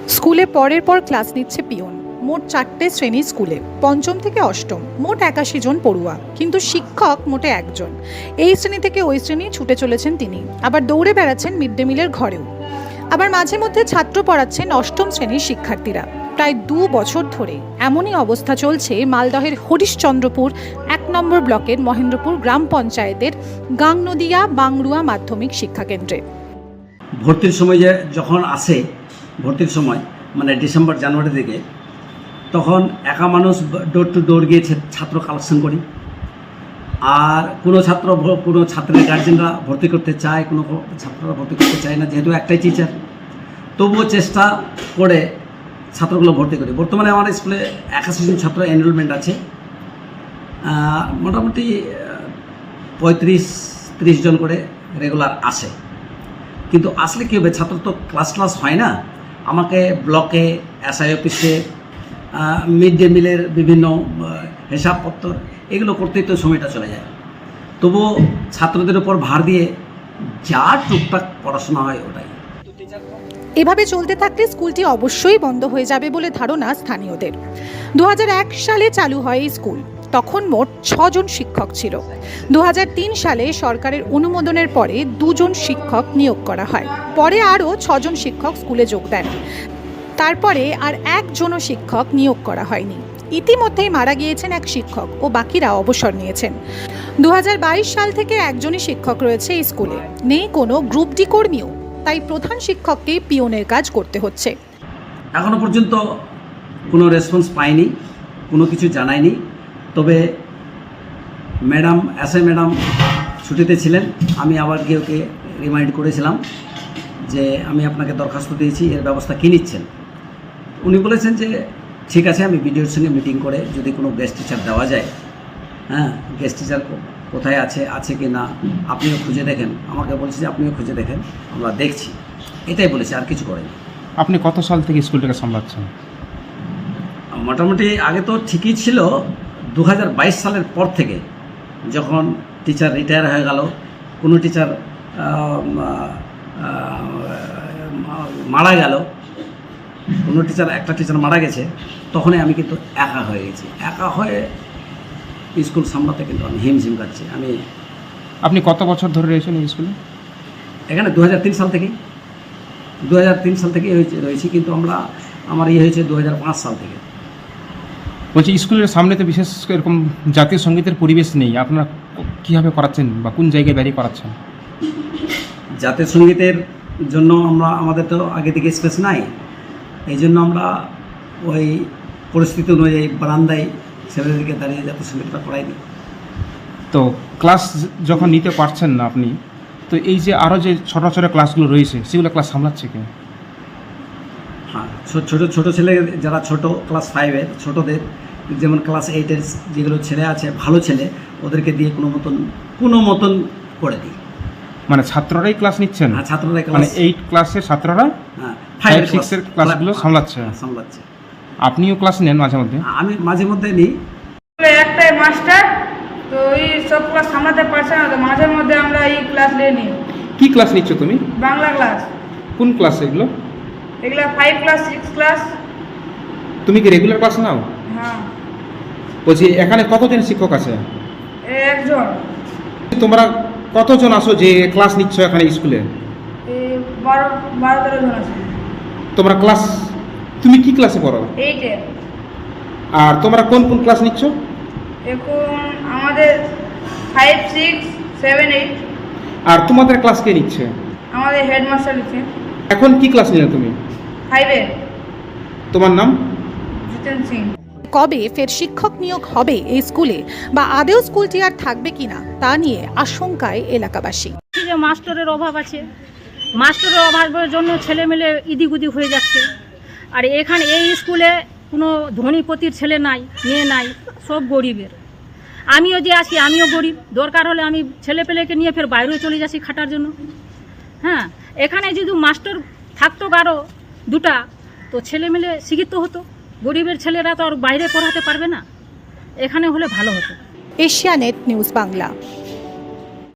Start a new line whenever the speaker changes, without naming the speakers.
স্কুলে পরের পর ক্লাস নিচ্ছে পিয়ন। মোট 4টে শ্রেণী স্কুলে, পঞ্চম থেকে অষ্টম, মোট 81 জন পড়ুয়া, কিন্তু শিক্ষক মোটে একজন। এই শ্রেণী থেকে ওই শ্রেণী ছুটে চলেছেন তিনি, আবার দৌড়ে বেড়াচ্ছেন মিড ডে মিলের ঘরেও। আবার মাঝে মধ্যে ছাত্র পড়াচ্ছেন অষ্টম শ্রেণীর শিক্ষার্থীরা। প্রায় 2 বছর ধরে এমনই অবস্থা চলছে মালদহের হরিশ্চন্দ্রপুর 1 নম্বর ব্লকের মহেন্দ্রপুর গ্রাম পঞ্চায়েতের গাংনদিয়া বাংরুয়া মাধ্যমিক শিক্ষাকেন্দ্রে।
ভর্তির সময় যখন আসে, ভর্তির সময় মানে ডিসেম্বর জানুয়ারি থেকে, তখন একা মানুষ ডোর টু ডোর গিয়ে ছাত্র কালেকশন করি। আর কোনো ছাত্রের গার্জেনরা ভর্তি করতে চায়, কোনো ছাত্ররা ভর্তি করতে চায় না, যেহেতু একটাই টিচার। তবুও চেষ্টা করে ছাত্রগুলো ভর্তি করি। বর্তমানে আমার স্কুলে 81 জন ছাত্র এনরোলমেন্ট আছে। মোটামুটি 35-30 জন করে রেগুলার আসে। কিন্তু আসলে কী হবে, ছাত্র তো ক্লাস হয় না। আমাকে ব্লকে, এসআই অফিসে, মিড ডে মিলের বিভিন্ন হিসাবপত্র এগুলো করতেই তো সময়টা চলে যায়। তবুও ছাত্রদের উপর ভার দিয়ে যা টুকটাক পড়াশোনা হয় ওটাই।
এভাবে চলতে থাকলে স্কুলটি অবশ্যই বন্ধ হয়ে যাবে বলে ধারণা স্থানীয়দের। 2001 সালে চালু হয় এই স্কুল। তখন মোট 6 জন শিক্ষক ছিল। 2003 সালে সরকারের অনুমোদনের পরে 2 জন শিক্ষক নিয়োগ করা হয়। পরে আরও 6 জন শিক্ষক স্কুলে যোগ দেন। তারপরে আর একজনও শিক্ষক নিয়োগ করা হয়নি। ইতিমধ্যেই মারা গিয়েছেন এক শিক্ষক ও বাকিরা অবসর নিয়েছেন। 2022 সাল থেকে একজনই শিক্ষক রয়েছে এই স্কুলে। নেই কোনো গ্রুপ ডি কর্মীও, তাই প্রধান শিক্ষককেই পিয়নের কাজ করতে হচ্ছে।
এখনো পর্যন্ত কোনো রেসপন্স পাইনি, কোনো কিছু জানায়নি। তবে এসআই ম্যাডাম ছুটিতে ছিলেন। আমি আবার গিয়ে ওকে রিমাইন্ড করেছিলাম যে আমি আপনাকে দরখাস্ত দিয়েছি, এর ব্যবস্থা কী নিচ্ছেন। উনি বলেছেন যে ঠিক আছে, আমি বিডিওর সঙ্গে মিটিং করে যদি কোনো গেস্ট টিচার দেওয়া যায়, গেস্ট টিচার কোথায় আছে কি না আপনিও খুঁজে দেখেন। আমাকে বলছে যে আপনিও খুঁজে দেখেন, আমরা দেখছি, এটাই বলেছি, আর কিছু করেনি।
আপনি কত সাল থেকে স্কুলটাকে সামলাচ্ছেন?
মোটামুটি আগে তো ঠিকই ছিল। 2022 সালের পর থেকে যখন টিচার রিটায়ার হয়ে গেল, কোনো টিচার মারা গেল, একটা টিচার মারা গেছে, তখনই আমি কিন্তু একা হয়ে গেছি। একা হয়ে স্কুল সামলাতে কিন্তু আমি হিমঝিম খাচ্ছি।
আপনি কত বছর ধরে রয়েছেন এই স্কুলে?
এখানে 2003 সাল থেকে রয়েছি, কিন্তু আমার হয়েছে 2005 সাল থেকে।
বলছি, স্কুলের সামনে তো বিশেষ এরকম জাতীয় সঙ্গীতের পরিবেশ নেই, আপনারা কীভাবে করাচ্ছেন বা কোন জায়গায় দাঁড়িয়ে করাচ্ছেন?
জাতীয় সঙ্গীতের জন্য আমাদের তো আগে থেকে স্পেস নাই, এই জন্য আমরা ওই পরিস্থিতি অনুযায়ী বারান্দায় ছেলেদেরকে দাঁড়িয়ে জাতীয় সঙ্গীতটা করাই দিই।
তো ক্লাস যখন নিতে পারছেন না আপনি, তো এই যে আরও যে ছোটো ছোটো ক্লাসগুলো রয়েছে সেগুলো ক্লাস সামলাচ্ছে কে?
হ্যাঁ, ছোটো ছেলে যারা ছোটো ক্লাস 5-এর ছোটোদের, যেমন ক্লাস 8-এর যেগুলো ছেলে আছে ভালো ছেলে, ওদেরকে দিয়ে কোনো মতন করে দিই।
মানে ছাত্ররাই ক্লাস নিচ্ছেন?
হ্যাঁ, ছাত্ররাই ক্লাস,
মানে 8 ক্লাসের ছাত্ররা 5-6-এর ক্লাসগুলো সামলাচ্ছে। আপনিও ক্লাস নেন মাঝে মধ্যে?
আমি মাঝে মধ্যে নিই।
একটাই মাস্টার, তো এই সব ক্লাস সামলাতে পারছে না, তো মাঝে মধ্যে আমরা এই ক্লাস নিই।
কি ক্লাস নিচ্ছ তুমি?
বাংলা ক্লাস।
কোন ক্লাস এগুলো?
5 ক্লাস 6 ক্লাস।
তুমি কি রেগুলার ক্লাস নাও?
হ্যাঁ।
বলছি, এখানে কতজন শিক্ষক আছে?
একজন।
তোমরা কতজন আসো যে ক্লাস নিচ্ছ এখানে স্কুলে?
12-13 জন আছে।
তুমি কি ক্লাসে পড়ো?
8-এ।
আর তোমরা কোন ক্লাস নিচ্ছ?
এখন আমাদের 5, 6, 7, 8।
আর তোমাদের ক্লাস কে নিচ্ছে?
আমাদের হেডমাস্টার নিচ্ছে।
এখন কি ক্লাস নিলে তুমি?
5-এ।
তোমার নাম?
জিতেন সিং।
কবে ফের শিক্ষক নিয়োগ হবে এই স্কুলে, বা আদেও স্কুলটি আর থাকবে কিনা তা নিয়ে আশঙ্কায় এলাকাবাসী।
যে মাস্টারের অভাব আছে, মাস্টারের অভাবের জন্য ছেলেমেলে ইদিগুদি হয়ে যাচ্ছে। আর এখানে এই স্কুলে কোনো ধনীপতির ছেলে নাই, মেয়ে নাই, সব গরিবের। আমিও যে আছি, আমিও গরিব। দরকার হলে আমি ছেলেপেলেকে নিয়ে ফের বাইরেও চলে যাচ্ছি খাটার জন্য। হ্যাঁ, এখানে যদি মাস্টার থাকতো কারো 2টা, তো ছেলেমেলে শিক্ষিত হতো। গরিবের ছেলেরা তো আর বাইরে পড়াতে পারবে না, এখানে হলে ভালো হতো।
Asianet News Bangla.